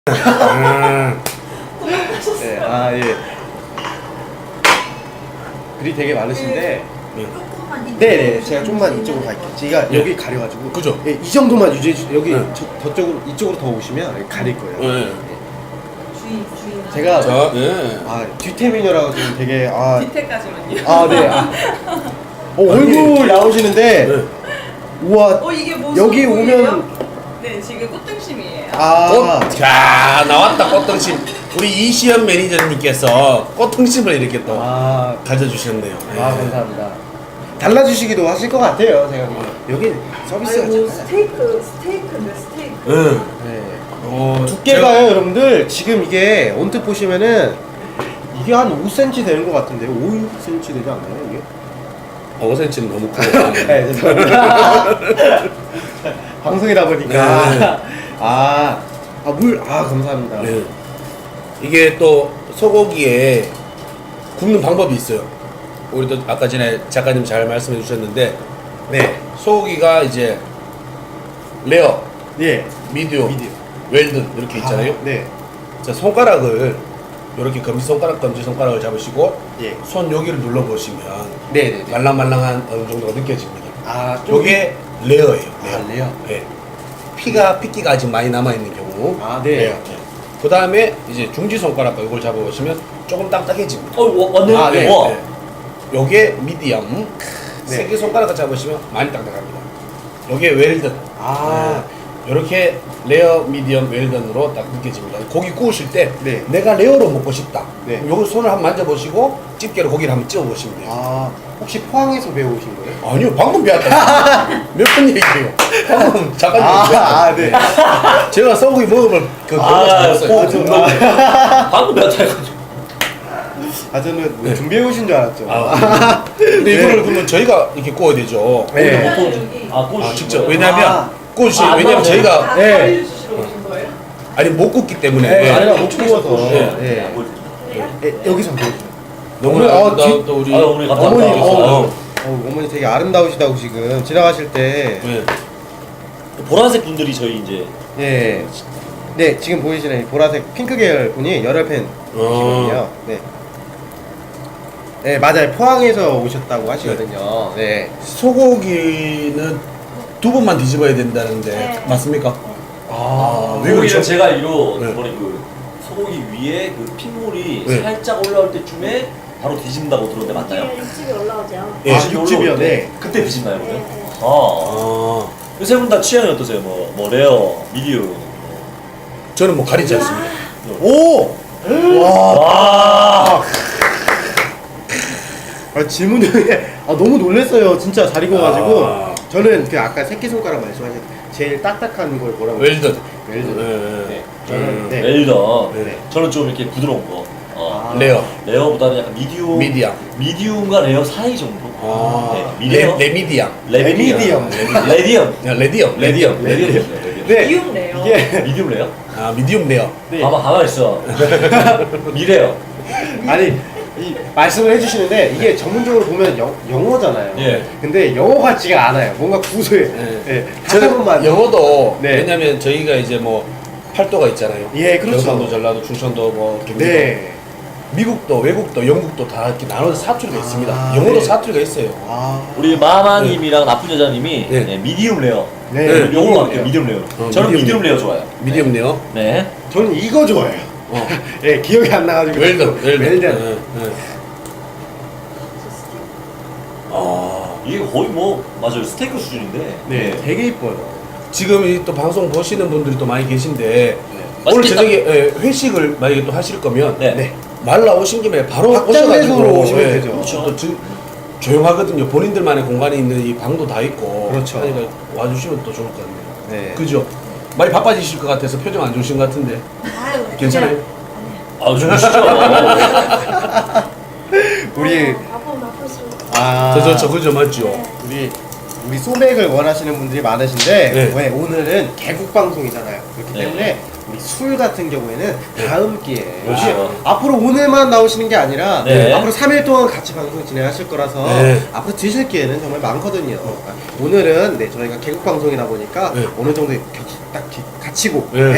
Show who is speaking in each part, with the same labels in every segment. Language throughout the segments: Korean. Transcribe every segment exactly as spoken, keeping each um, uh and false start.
Speaker 1: 음. 네, 아 예. 글이 되게 많으신데.
Speaker 2: 조금만
Speaker 1: 네네, 제가 좀만 이쪽으로 갈게요. 제가
Speaker 3: 예.
Speaker 1: 여기 가려가지고.
Speaker 3: 그죠?
Speaker 1: 예, 이 정도만 유지해 주세요. 여기
Speaker 3: 네.
Speaker 1: 저, 저쪽으로 이쪽으로 더 오시면 여기 가릴 거예요.
Speaker 3: 네.
Speaker 2: 주의 주의.
Speaker 1: 제가
Speaker 3: 자, 예.
Speaker 1: 아 뒤태민이라고 지금 되게 아.
Speaker 2: 뒤태까지만요.
Speaker 1: 아 네. 아. 어, 얼굴 나오시는데.
Speaker 3: 네.
Speaker 1: 우와.
Speaker 2: 어 이게 뭐
Speaker 1: 여기
Speaker 2: 소금이에요?
Speaker 1: 오면.
Speaker 2: 네 지금 꽃등심이에요.
Speaker 1: 아.
Speaker 3: 꽃, 자, 나왔다, 꽃등심. 우리 이시연 매니저님께서 꽃등심을 이렇게 또
Speaker 1: 아.
Speaker 3: 가져주셨네요.
Speaker 1: 아 감사합니다. 달라주시기도 하실 것 같아요. 제가 여기 서비스가
Speaker 2: 아이고
Speaker 1: 잘.
Speaker 2: 스테이크 스테이크인데 스테이크.
Speaker 3: 응.
Speaker 1: 네.
Speaker 3: 어,
Speaker 1: 두께가요, 여러분들. 지금 이게 언뜻 보시면은 이게 한 오 센티미터 되는 것 같은데요. 오, 육 센티미터 되지 않나요, 이게?
Speaker 3: 오 센티미터는 너무 커.
Speaker 1: 네, 죄송합니다. 방송이다 보니까.
Speaker 3: 네.
Speaker 1: 아, 아, 물, 아, 감사합니다.
Speaker 3: 네. 이게 또 소고기에 굽는 방법이 있어요. 우리도 아까 전에 작가님 잘 말씀해 주셨는데,
Speaker 1: 네.
Speaker 3: 소고기가 이제 레어,
Speaker 1: 예.
Speaker 3: 미디움,
Speaker 1: 미디움.
Speaker 3: 웰든 이렇게 있잖아요.
Speaker 1: 아, 네.
Speaker 3: 자, 손가락을 이렇게 검지 손가락, 검지 손가락을 잡으시고
Speaker 1: 예.
Speaker 3: 손 여기를 눌러 보시면
Speaker 1: 네네네.
Speaker 3: 말랑말랑한 어느 정도가 느껴집니다.
Speaker 1: 아,
Speaker 3: 요게 레어예요.
Speaker 1: 아, 레어.
Speaker 3: 네. 피가 핏기가 아직 많이 남아 있는 경우.
Speaker 1: 아, 네.
Speaker 3: 그 다음에 이제 중지 손가락과 이걸 잡아보시면 조금 딱딱해집니다.
Speaker 4: 어, 와, 완전
Speaker 1: 아, 네.
Speaker 4: 와.
Speaker 3: 네. 요게 미디엄.
Speaker 1: 네.
Speaker 3: 세 개 손가락을 잡으시면 많이 딱딱합니다. 요게 웰든.
Speaker 1: 아.
Speaker 3: 이렇게 레어, 미디엄, 웰던으로 딱 느껴집니다. 고기 구우실 때
Speaker 1: 네.
Speaker 3: 내가 레어로 먹고 싶다.
Speaker 1: 네.
Speaker 3: 요걸 손을 한번 만져보시고 집게로 고기를 한번 찌워보시면 돼요.
Speaker 1: 아, 혹시 포항에서 배우신 거예요?
Speaker 3: 아니요, 방금 배웠다. 몇 번 얘기해요. 방금 잠깐
Speaker 1: 아,
Speaker 3: 얘기했어요.
Speaker 1: 아, 네.
Speaker 3: 제가 소고기 먹으면 그
Speaker 4: 아,
Speaker 3: 경우가 잡았어요.
Speaker 4: 어, 좀 방금 배웠다 해가지고.
Speaker 1: 아, 저는 뭐
Speaker 3: 네.
Speaker 1: 준비해 오신 줄 알았죠.
Speaker 3: 아, 근데
Speaker 1: 네.
Speaker 3: 이거를 그러면 저희가 이렇게 구워야 되죠.
Speaker 1: 네.
Speaker 4: 못 구워주지. 아, 구워주지.
Speaker 3: 아, 직접. 왜냐면
Speaker 1: 아.
Speaker 3: 구워주시
Speaker 4: 아,
Speaker 3: 왜냐면
Speaker 4: 안
Speaker 3: 저희가
Speaker 2: 아
Speaker 1: 네.
Speaker 2: 가위 주시러 오신 거예요?
Speaker 3: 아니 못 굽기 때문에
Speaker 1: 네,
Speaker 3: 예.
Speaker 1: 아니라 못 구워서.
Speaker 3: 네.
Speaker 1: 예.
Speaker 4: 안 보여주지.
Speaker 1: 예, 여기서 보여주세요.
Speaker 3: 너무
Speaker 1: 어,
Speaker 3: 나,
Speaker 1: 뒤-
Speaker 3: 또 우리
Speaker 4: 아, 어머니 감사합니다.
Speaker 1: 어머니, 어,
Speaker 3: 어.
Speaker 1: 어, 어머니 되게 아름다우시다고 지금 지나가실 때.
Speaker 3: 네.
Speaker 4: 보라색 분들이 저희 이제
Speaker 1: 예. 네, 지금 보이시는 이 보라색 핑크 계열 분이 열혈 팬이시거든요. 네. 네, 맞아요. 포항에서 오셨다고 하시거든요. 네.
Speaker 3: 소고기는 두 번만 뒤집어야 된다는데
Speaker 2: 네.
Speaker 3: 맞습니까?
Speaker 1: 아,
Speaker 3: 왜
Speaker 4: 소고기는
Speaker 3: 그렇죠?
Speaker 4: 제가 알기로
Speaker 3: 네.
Speaker 4: 이번에 그 소고기 위에 그 핏물이
Speaker 3: 네.
Speaker 4: 살짝 올라올 때쯤에 바로 뒤집는다고 들었는데 맞나요?
Speaker 5: 이게 육즙이 올라오죠.
Speaker 3: 예.
Speaker 1: 아,
Speaker 4: 뒤집이
Speaker 1: 육즙이요?
Speaker 4: 올라올 때
Speaker 1: 네.
Speaker 4: 그때 뒤집나요,
Speaker 5: 네,
Speaker 4: 그러면?
Speaker 5: 네.
Speaker 4: 아.
Speaker 3: 아,
Speaker 4: 세 분 다 취향이 어떠세요? 뭐, 뭐 레어, 미디움.
Speaker 3: 저는 뭐 가리지 않습니다.
Speaker 1: 오! 와.
Speaker 4: 와.
Speaker 1: 아, 질문이 아, 너무 놀랐어요. 진짜 잘 익어가지고.
Speaker 3: 아.
Speaker 1: 저는 그 아까 새끼손가락 말씀하신 제일 딱딱한 걸 뭐라고
Speaker 3: 웰든.
Speaker 1: 웰든.
Speaker 3: 네.
Speaker 1: 네. 저는 네.
Speaker 4: 웰던.
Speaker 3: 네.
Speaker 4: 저는 좀 이렇게 부드러운 거. 어.
Speaker 1: 아.
Speaker 3: 레어.
Speaker 4: 레어보다는 약간 미디움.
Speaker 3: 미디엄.
Speaker 4: 미디움과 레어 사이 정도.
Speaker 3: 아,
Speaker 4: 네,
Speaker 3: 레,
Speaker 4: 미디엄.
Speaker 3: 레미디엄.
Speaker 1: 레미디엄.
Speaker 4: 레디엄.
Speaker 3: 야, 레디엄. 레디엄.
Speaker 4: 레디엄.
Speaker 1: 네.
Speaker 2: 미움래요.
Speaker 1: 이게
Speaker 4: 미디움 레어?
Speaker 3: 아, 미디움 레어.
Speaker 1: 네.
Speaker 4: 봐봐, 가만 있어. 미래요.
Speaker 1: 아니 이 말씀을 해주시는데 이게 전문적으로 보면 영, 영어잖아요.
Speaker 4: 예.
Speaker 1: 근데 영어 같지가 않아요. 뭔가 구수해.
Speaker 3: 네.
Speaker 1: 예. 다시 한
Speaker 3: 저는
Speaker 1: 번만.
Speaker 3: 영어도
Speaker 1: 네.
Speaker 3: 왜냐면 저희가 이제 뭐 팔도가 있잖아요.
Speaker 1: 예, 그렇죠.
Speaker 3: 경상도, 전라도, 충청도, 뭐 경기도.
Speaker 1: 네.
Speaker 3: 미국도, 외국도, 영국도 다 이렇게 나눠서 사투리가
Speaker 1: 아,
Speaker 3: 있습니다. 영어도
Speaker 1: 네.
Speaker 3: 사투리가 있어요.
Speaker 1: 아.
Speaker 4: 우리 마마님이랑 나쁜 여자님이
Speaker 3: 네.
Speaker 4: 네, 미디움 레어.
Speaker 1: 네.
Speaker 3: 네.
Speaker 4: 요걸로 할게요, 미디움 레어.
Speaker 3: 어,
Speaker 4: 저는
Speaker 3: 미디움
Speaker 4: 미디움 레어 좋아요.
Speaker 3: 미디움 레어.
Speaker 4: 네.
Speaker 1: 저는 이거 좋아해요.
Speaker 3: 어.
Speaker 1: 예, 기억이 안 나가지고.
Speaker 3: 웰던, 웰던.
Speaker 1: 웰던.
Speaker 3: 네, 네. 아,
Speaker 4: 이게 거의 뭐, 맞아요. 스테이크 수준인데.
Speaker 1: 네, 되게 이뻐요.
Speaker 3: 지금 이 또 방송 보시는 분들이 또 많이 계신데 오늘
Speaker 4: 맛있겠다.
Speaker 3: 저녁에 예, 회식을 만약에 또 하실 거면
Speaker 4: 네.
Speaker 1: 네.
Speaker 3: 말 나오신 김에 바로
Speaker 1: 확장해서
Speaker 3: 오셔가지고
Speaker 1: 오시면
Speaker 3: 예,
Speaker 1: 되죠.
Speaker 3: 그렇죠. 또 저- 조용하거든요. 본인들만의 공간이 있는 이 방도 다 있고
Speaker 1: 그렇죠.
Speaker 3: 그러니까 와주시면 또 좋을 것 같네요.
Speaker 1: 네.
Speaker 3: 그죠? 많이 바빠지실 것 같아서 표정 안 좋으신 것 같은데
Speaker 5: 아유,
Speaker 3: 괜찮아요?
Speaker 4: 아, 좋으시죠?
Speaker 1: 우리
Speaker 5: 바보 나쁘시고.
Speaker 1: 아.
Speaker 3: 저, 저, 저, 그죠, 맞죠?
Speaker 5: 네.
Speaker 1: 우리 우리 소맥을 원하시는 분들이 많으신데
Speaker 3: 네.
Speaker 1: 왜 오늘은 개국 방송이잖아요. 그렇기
Speaker 4: 네.
Speaker 1: 때문에 우리 술 같은 경우에는 다음 기회에
Speaker 4: 그렇죠.
Speaker 1: 이게 앞으로 오늘만 나오시는 게 아니라
Speaker 4: 네.
Speaker 1: 앞으로 삼 일 동안 같이 방송 진행하실 거라서
Speaker 3: 네.
Speaker 1: 앞으로 드실 기회는 정말 많거든요. 오늘은 네, 저희가 개국 방송이다 보니까
Speaker 3: 네.
Speaker 1: 어느 정도 격, 딱 기- 갇히고
Speaker 3: 네.
Speaker 1: 네,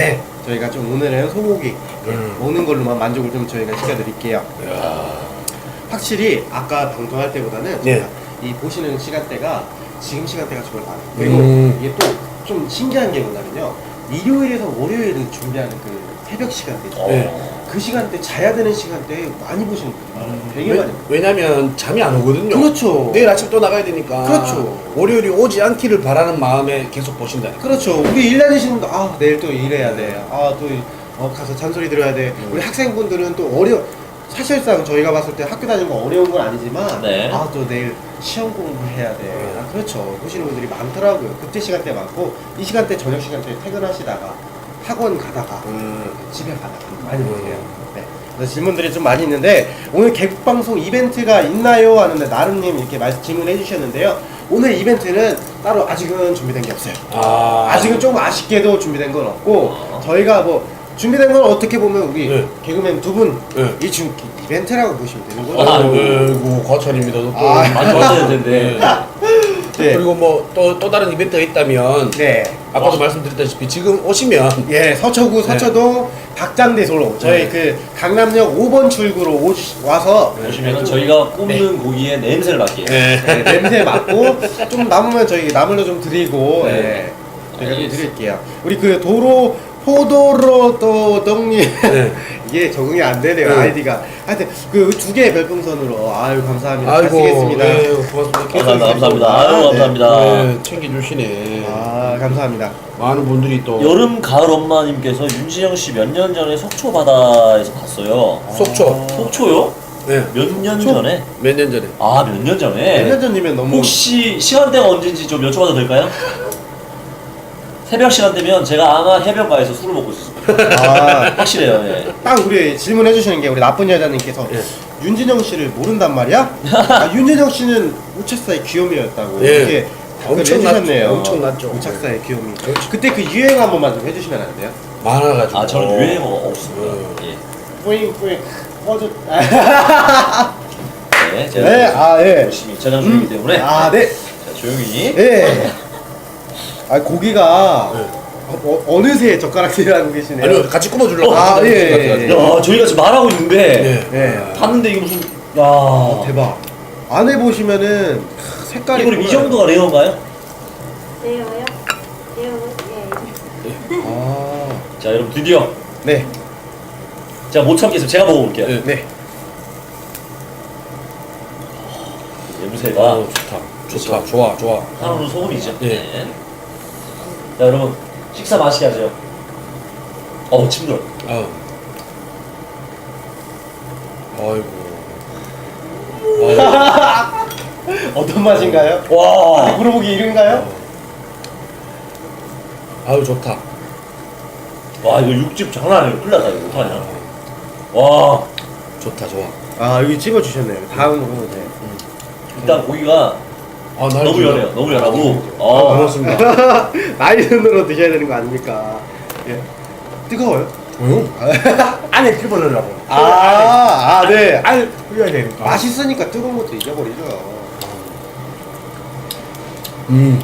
Speaker 1: 저희가 좀 오늘은 소고기
Speaker 3: 음.
Speaker 1: 먹는 걸로만 만족을 좀 저희가 시켜드릴게요.
Speaker 3: 이야.
Speaker 1: 확실히 아까 방송할 때보다는
Speaker 3: 네.
Speaker 1: 제가 이 보시는 시간대가 지금 시간대가 정말 많아요. 그리고
Speaker 3: 음.
Speaker 1: 이게 또 좀 신기한 게 뭐냐면요. 일요일에서 월요일은 준비하는 그 새벽 시간대죠.
Speaker 4: 어.
Speaker 3: 네.
Speaker 1: 그 시간대 자야 되는 시간대에 많이 보시는 분들 많아요. 되게 많이.
Speaker 3: 왜, 왜냐면 잠이 안 오거든요.
Speaker 1: 그렇죠.
Speaker 3: 내일 아침 또 나가야 되니까.
Speaker 1: 그렇죠.
Speaker 3: 월요일이 오지 않기를 바라는 마음에 계속 보신다.
Speaker 1: 그렇죠. 우리 일 다니시는 분들 아 내일 또 일해야 돼. 아또 어, 가서 잔소리 들어야 돼.
Speaker 3: 음.
Speaker 1: 우리 학생분들은 또 어려. 사실상 저희가 봤을 때 학교 다니는 거 어려운 건 아니지만
Speaker 4: 네.
Speaker 1: 아 또 내일 시험 공부해야 돼. 아, 그렇죠. 보시는 분들이 많더라고요. 그때 시간대 많고 이 시간대 저녁 시간대에 퇴근하시다가 학원 가다가
Speaker 3: 음.
Speaker 1: 집에 가다가 많이 보세요. 네. 그래서 질문들이 좀 많이 있는데 오늘 개국 방송 이벤트가 있나요? 하는데 나름님 이렇게 말씀 질문해 주셨는데요. 오늘 이벤트는 따로 아직은 준비된 게 없어요.
Speaker 3: 아.
Speaker 1: 아직은 조금 아쉽게도 준비된 건 없고 저희가 뭐 준비된 건 어떻게 보면 우리
Speaker 3: 네.
Speaker 1: 개그맨 두 분이
Speaker 3: 네.
Speaker 1: 지금 이벤트라고 보시면 되는 거죠.
Speaker 4: 아,
Speaker 3: 아이고 과찬입니다. 또.
Speaker 1: 아.
Speaker 4: 많이 왔어야 되는데.
Speaker 1: 네.
Speaker 3: 그리고 뭐 또 또 다른 이벤트가 있다면
Speaker 1: 네.
Speaker 3: 아까도 말씀드렸다시피 지금 오시면
Speaker 1: 예, 서초구
Speaker 3: 네.
Speaker 1: 서초동 박장대소로 저희
Speaker 3: 네.
Speaker 1: 그 강남역 오 번 출구로 오, 와서
Speaker 4: 보시면은 저희가 굽는 고기의 냄새를 맡게.
Speaker 3: 네.
Speaker 1: 네, 냄새 맡고 좀 남으면 저희 나물로 좀 드리고
Speaker 4: 네.
Speaker 1: 예, 저희가 좀
Speaker 4: 알겠습니다.
Speaker 1: 드릴게요. 우리 그 도로 포도로 또덕님
Speaker 3: 네.
Speaker 1: 이게 적응이 안 되네요.
Speaker 3: 네.
Speaker 1: 아이디가. 하여튼 그 두 개의 별풍선으로 아유 감사합니다. 잘
Speaker 3: 아이고
Speaker 1: 쓰겠습니다.
Speaker 3: 네, 고맙습니다.
Speaker 4: 감사합니다. 감사합니다. 아유,
Speaker 1: 네.
Speaker 4: 감사합니다.
Speaker 3: 네, 챙겨주시네.
Speaker 1: 아 감사합니다.
Speaker 3: 많은 분들이 또
Speaker 4: 여름 가을 엄마님께서 윤진영 씨 몇 년 전에 속초 바다에서 봤어요.
Speaker 3: 속초.
Speaker 4: 속초요?
Speaker 3: 네.
Speaker 4: 몇 년
Speaker 1: 속초?
Speaker 4: 전에?
Speaker 3: 몇 년 전에.
Speaker 4: 아, 몇 년 전에?
Speaker 1: 몇 년 전이면 너무
Speaker 4: 혹시 시간대가 언제인지 좀 여쭤봐도 될까요? 새벽 시간대면 제가 아마 해변가에서 술을 먹고 있었습니다.
Speaker 1: 아,
Speaker 4: 확실해요. 예.
Speaker 1: 딱 우리 질문해 주시는 게 우리 나쁜 여자님께서
Speaker 3: 예.
Speaker 1: 윤진영 씨를 모른단 말이야? 아, 윤진영 씨는 우착사의 귀요미였다고
Speaker 3: 예.
Speaker 1: 이렇게 댓글
Speaker 3: 엄청났죠.
Speaker 1: 해주셨네요.
Speaker 3: 엄청났죠.
Speaker 1: 우착사의 귀요미.
Speaker 3: 그렇죠.
Speaker 1: 그때 그 유행 한 번만 좀 해주시면 안 돼요?
Speaker 3: 많아가지고.
Speaker 4: 아, 저는 유행어가 없습니다.
Speaker 3: 음.
Speaker 4: 예.
Speaker 1: 뿌잉 뿌잉 꺼져.
Speaker 4: 네, 제가
Speaker 1: 네, 아 예.
Speaker 4: 열심히 저장 중이기 때문에
Speaker 1: 아 네.
Speaker 4: 자, 조용히.
Speaker 1: 예. 아 고기가
Speaker 3: 네.
Speaker 1: 어, 어느새 젓가락질을 하고 계시네요.
Speaker 3: 아니요, 같이 굽어주려고.
Speaker 1: 아,
Speaker 3: 하는데
Speaker 1: 예,
Speaker 3: 같이
Speaker 1: 예,
Speaker 3: 같이.
Speaker 1: 예.
Speaker 4: 야, 저희가 지금 말하고 있는데
Speaker 3: 네.
Speaker 1: 네.
Speaker 4: 봤는데 이거 무슨 야
Speaker 1: 어, 대박. 안에 보시면은 크, 색깔이
Speaker 4: 이거 이
Speaker 1: 정말-
Speaker 4: 정도가 레어인가요?
Speaker 5: 네요요? 네요, 예.
Speaker 1: 아.
Speaker 4: 자, 여러분 드디어
Speaker 1: 네.
Speaker 4: 제가 못 참겠습니다. 제가 먹어볼게요.
Speaker 3: 네.
Speaker 1: 네.
Speaker 3: 아,
Speaker 4: 냄새가
Speaker 3: 좋다. 좋다. 좋아, 좋아.
Speaker 4: 한우는 소금이죠.
Speaker 3: 예.
Speaker 4: 네. 자, 여러분 식사 맛있게 하세요. 어우, 침들.
Speaker 3: 아. 아이고. 아이고.
Speaker 1: 어떤 맛인가요?
Speaker 4: 와.
Speaker 1: 물어보기 이른가요?
Speaker 3: 아유, 좋다.
Speaker 4: 와, 이거 육즙 장난 아니에요. 큰일 났다 이거 어떡하냐. 와.
Speaker 3: 좋다, 좋아.
Speaker 1: 아 여기 찍어 주셨네요. 다음으로 네.
Speaker 4: 일단 고기가
Speaker 3: 아, 날
Speaker 4: 너무
Speaker 3: 좋아.
Speaker 4: 연해요. 너무 연하고.
Speaker 3: 아,
Speaker 4: 아,
Speaker 3: 고맙습니다.
Speaker 1: 나이른으로 드셔야 되는 거 아닙니까? 예. 뜨거워요?
Speaker 3: 응? 안에 끓여보려고.
Speaker 1: 아, 아, 네.
Speaker 3: 안에 끓여야 되니까.
Speaker 1: 맛있으니까 뜨거운 것도 잊어버리죠.
Speaker 3: 음.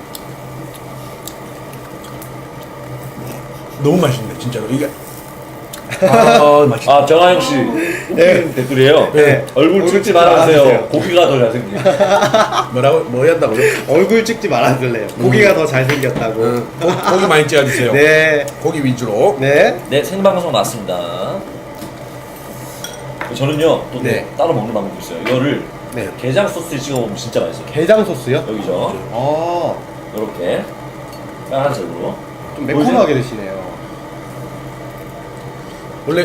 Speaker 3: 너무 맛있네, 진짜로. 이게. 아, 맛있다.
Speaker 4: 아 정하영 씨
Speaker 1: 네.
Speaker 4: 댓글이에요.
Speaker 1: 네.
Speaker 4: 얼굴 찍지 말아주세요. 고기가 더 잘생겨.
Speaker 3: 뭐라고? 뭐 한다고요?
Speaker 1: 얼굴 찍지 말아줄래요. 고기가 더 잘생겼다고.
Speaker 3: 응. 고, 고기 많이 찍어주세요.
Speaker 1: 네.
Speaker 3: 고기 위주로.
Speaker 1: 네.
Speaker 4: 네, 생방송 맞습니다. 저는요 또
Speaker 1: 네.
Speaker 4: 따로 먹는 방법이 있어요. 이거를
Speaker 1: 네.
Speaker 4: 게장 소스에 찍어 먹으면 진짜 맛있어요.
Speaker 1: 게장 소스요?
Speaker 4: 여기죠.
Speaker 1: 아,
Speaker 4: 이렇게 빨간색으로.
Speaker 1: 좀 매콤하게 드시네요.
Speaker 3: 원래.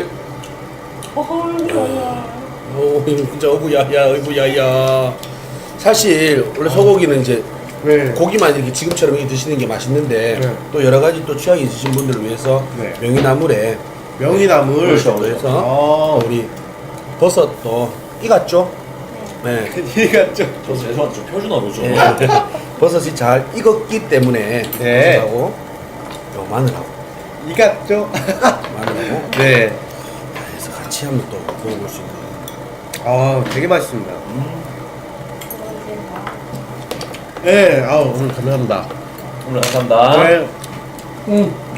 Speaker 3: 어, 진짜 어구야야, 어구야야. 사실 원래 소고기는 이제
Speaker 1: 네.
Speaker 3: 고기만 이렇게 지금처럼 이렇게 드시는 게 맛있는데
Speaker 1: 네.
Speaker 3: 또 여러 가지 또 취향이 있으신 분들을 위해서
Speaker 1: 네.
Speaker 3: 명이나물에
Speaker 1: 명이나물.
Speaker 4: 그렇죠.
Speaker 3: 그래서
Speaker 1: 아,
Speaker 3: 또 우리 버섯도 익었죠? 네.
Speaker 1: 이 같죠?
Speaker 4: 저 죄송한데 좀 표준어로 좀.
Speaker 3: 네. 버섯이 잘 익었기 때문에
Speaker 1: 네.
Speaker 3: 버섯하고 요 마늘하고
Speaker 1: 이 같죠?
Speaker 3: 마늘하고
Speaker 1: 네.
Speaker 3: 해서 같이 한번 또 먹어볼 수 있는.
Speaker 1: 아, 되게 맛있습니다.
Speaker 4: 음,
Speaker 1: 네, 아우 오늘 감사합니다.
Speaker 4: 오늘 감사합니다.
Speaker 1: 네. 음,